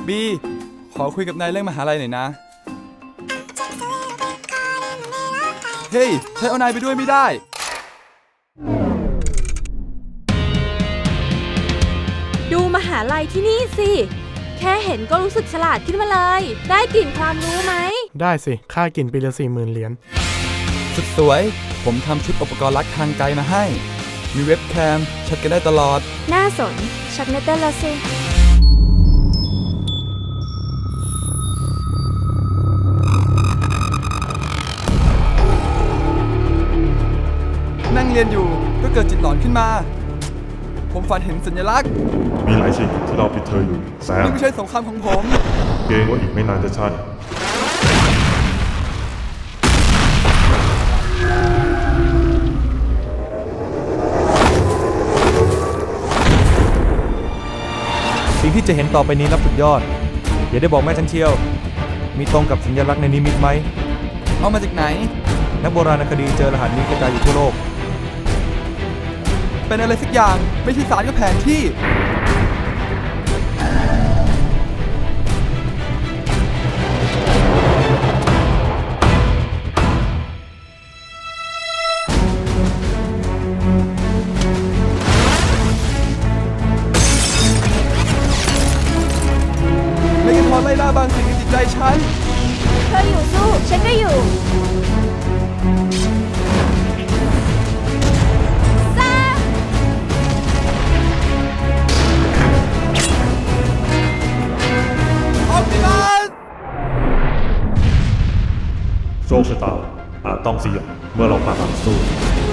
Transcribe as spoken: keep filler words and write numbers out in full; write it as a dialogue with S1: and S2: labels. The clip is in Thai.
S1: บีขอคุยกับนายเรื่องมหาลัยหน่อยนะเฮ้ยฉันเอานายไปด้วยไม่ได้
S2: ดูมหาลัยที่นี่สิแค่เห็นก็รู้สึกฉลาดขึ้นมาเลยได้กลิ่นความรู้ไหม
S3: ได้สิค่ากินปีละสี่หมื่นเหรียญ
S1: สุดสวยผมทำชุดอุปกรณ์ลักทางไกลมาให้มีเว็บแคมแชทกันได้ตลอด
S2: น่าสนชักเนเตอร์ละสิ
S1: นั่งเรียนอยู่ก็เกิดจิตหลอนขึ้นมาผมฝันเห็นสัญลักษณ์
S4: มีหลายสิ่งที่เราผิดเธออยู่แซม
S1: นี่ไม่ใช่สงครามของผม
S4: เกรงว่าอีกไม่นานจะใช่
S5: สิ่งที่จะเห็นต่อไปนี้นับสุดยอดอย่าได้บอกแม่ฉันเชียวมีตรงกับสัญลักษณ์ในนิมิตไหม
S1: เอามาจากไหน
S5: นักโบราณคดีเจอรหัสนี้กระจายอยู่ทั่วโลก
S1: เป็นอะไรสักอย่างไม่ใช่สารกับแผนที่เมกาทอนไล่ล่าบางสิ่งในจิตใจฉัน
S2: เธออยู่สู้ฉันก็อยู่
S4: โชคชะตาอาจต้องเสี่ยงเมื่อเราผ่านการสู้